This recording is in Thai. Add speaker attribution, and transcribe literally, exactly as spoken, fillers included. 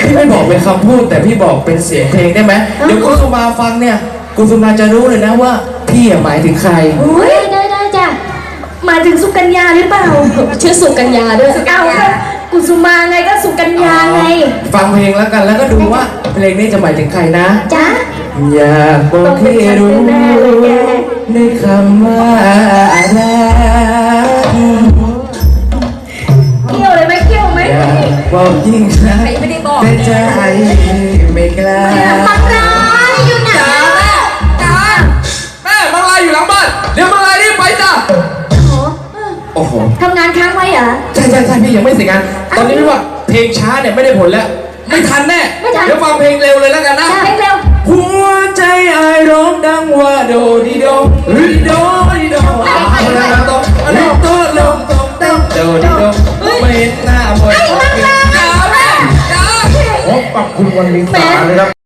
Speaker 1: พี่ไม่บอกเป็นคำพูดแต่พี่บอกเป็นเสียงเพลงได้ไหมเดี๋ยวกุสุมาฟังเนี่ยกุสุมาจะรู้เลยนะว่าพี่หมายถึงใคร
Speaker 2: ได้ได้ได้จ้ะหมายถึงสุกัญญาหรือเปล่าชื่อสุกัญญาด้วยสุกัญญากุสุมาไงก็สุกัญญาไง
Speaker 1: ฟังเพลงแล้วกันแล้วก็ดูว่าเพลงนี้จะหมายถึงใครนะ
Speaker 2: จ๊ะ
Speaker 1: อยากบอกให้รู้ในคำว่ารัก
Speaker 2: เกี่ยวเลยไหมเกี่ยวไหม
Speaker 1: อยากบอกยิ่งรักแต่ใจไม่กล้า
Speaker 2: มังลายอยู่ไหน
Speaker 3: จ้าแม่จ้าแม่มังลายอยู่หลังบ้านเดี๋ยวมังลายรีบไปจ้า
Speaker 1: โอ้โห
Speaker 2: ทำงานค้างไว้เหรอ
Speaker 1: ใช่ใช่ใช่พี่ยังไม่เสร็จงานตอนนี้พี่ว่าเพลงช้าเนี่ยไม่ได้ผลแล้วไม่ทันแน่เดี๋ยวฟังเพลงเร็วเลยแล้วกันนะ
Speaker 2: เพลงเร็ว
Speaker 1: หัวใจไอ้ร้องดังว่าโดดีโดดีโดดีโดลงตรงลงตรงลงตรงเต้นโดดีโดไม่เห็นหน้าบ่อยจ้าแม่จ้าโอ้ปรับคุณวันนี้ตาเลยครับ